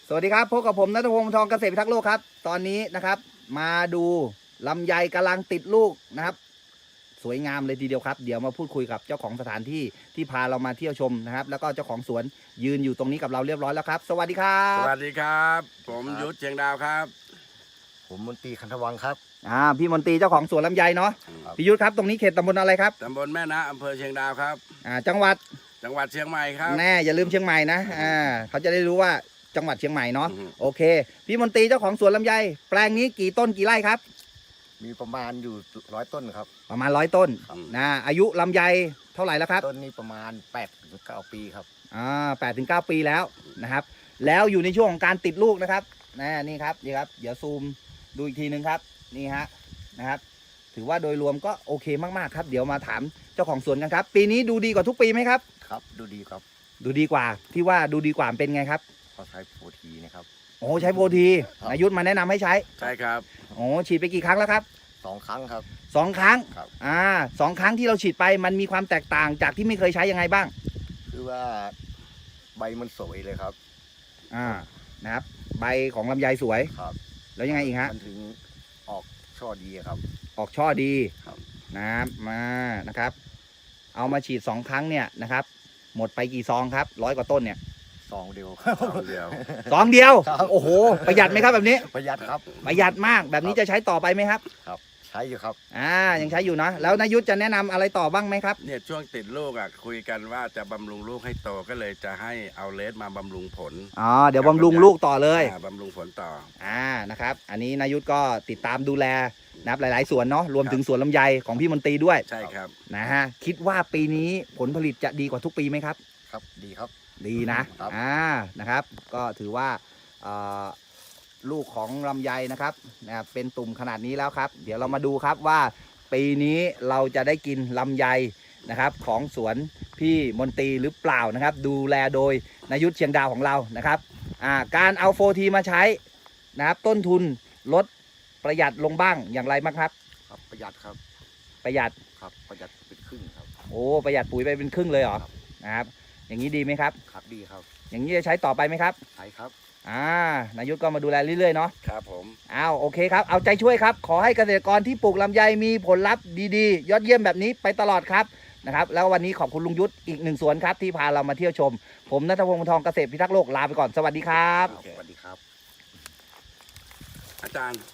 สวัสดีครับพบกับผมณัฐพงศ์ทองเกษตรพิทักษ์โลกครับตอนนี้นะครับมาดูลำไยกำลังติดลูกนะครับสวยงามเลยทีเดียวครับเดี๋ยวมาพูดคุยกับเจ้าของสถานที่ที่พาเรามาเที่ยวชมนะครับแล้วก็เจ้าของสวนยืนอยู่ตรงนี้กับเราเรียบร้อยแล้วครับสวัสดีครับสวัสดีครับผมยุทธเชียงดาวครับผมมนตรีคันธวังครับพี่มนตรีเจ้าของสวนลำไยเนาะพี่ยุทธครับตรงนี้เขตตำบลอะไรครับตำบลแม่นะอำเภอเชียงดาวครับจังหวัดเชียงใหม่ครับแน่อย่าลืมเชียงใหม่นะเขาจะได้รู้ว่าจังหวัดเชียงใหม่เนาะโอเคพี่มนตรีเจ้าของสวนลำไยแปลงนี้กี่ต้นกี่ไร่ครับมีประมาณอยู่100 ต้นครับประมาณ100 ต้นนะอายุลำไยเท่าไหร่แล้วครับต้นนี้ประมาณ8-9 ปีครับ 8 ถึง 9 ปีแล้วนะครับแล้วอยู่ในช่วงของการติดลูกนะครับนี่ครับเดี๋ยวซูมดูอีกทีนึงครับนี่ฮะนะครับถือว่าโดยรวมก็โอเคมากๆครับเดี๋ยวมาถามเจ้าของสวนกันครับปีนี้ดูดีกว่าทุกปีไหมครับครับดูดีครับดูดีกว่าที่ว่าดูดีกว่าเป็นไงครับเขาใช้โปรทีนะครับโอ้ใช้โปรทีนายุทธมาแนะนำให้ใช้ใช่ครับโอ้ฉีดไปกี่ครั้งแล้วครับ 2 ครั้งครับ 2 ครั้งครับ 2 ครั้งที่เราฉีดไปมันมีความแตกต่างจากที่ไม่เคยใช้ยังไงบ้างคือว่าใบมันสวยเลยครับนะครับใบของลำไยสวยครับแล้วยังไงอีกฮะมันถึงออกช่อดีครับออกช่อดีครับนะครับเอามาฉีด2 ครั้งเนี่ยนะครับหมดไปกี่ซองครับ100 กว่าต้นเนี่ยซองเดียวซองเดียวโอ้โหประหยัดไหมครับแบบนี้ประหยัดครับประหยัดมากแบบนี้จะใช้ต่อไปไหมครับครับใช้อยู่ครับยังใช้อยู่นะแล้วนายุทธจะแนะนำอะไรต่อบ้างไหมครับเนี่ยช่วงติดลูกคุยกันว่าจะบำรุงลูกให้โตก็เลยจะให้เอาเลสมาบำรุงผลเดี๋ยวบำรุงลูกต่อเลยบำรุงผลต่อนะครับอันนี้นายุทธก็ติดตามดูแลนะครับหลายๆสวนเนาะรวมถึงสวนลำไยของพี่มนตรีด้วยใช่ครับนะฮะคิดว่าปีนี้ผลผลิตจะดีกว่าทุกปีไหมครับครับดีครับดีนะนะครับก็ถือว่าลูกของลำไยนะครับเป็นตุ่มขนาดนี้แล้วครับเดี๋ยวเรามาดูครับว่าปีนี้เราจะได้กินลำไยนะครับของสวนพี่มนตรีหรือเปล่านะครับดูแลโดยนายุทธเชียงดาวของเรานะครับการเอาโฟทีมาใช้นะครับต้นทุนลดประหยัดลงบ้างอย่างไรบ้างครับครับประหยัดครับประหยัดครับประหยัดเป็นครึ่งครับโอ้ประหยัดปุ๋ยไปเป็นครึ่งเลยเหรอนะครับอย่างนี้ดีไหมครับครับดีครับอย่างนี้จะใช้ต่อไปไหมครับใช้ครับนายุทธก็มาดูแลเรื่อยๆเนาะครับผมโอเคครับเอาใจช่วยครับขอให้เกษตรกรที่ปลูกลำไยมีผลลัพธ์ดีๆยอดเยี่ยมแบบนี้ไปตลอดครับนะครับแล้ววันนี้ขอบคุณลุงยุทธอีก1 สวนครับที่พาเรามาเที่ยวชมผมณัฐพงศ์ทองเกษตรพิทักษ์โลกลาไปก่อนสวัสดีครับสวัสดีครับอาจารย์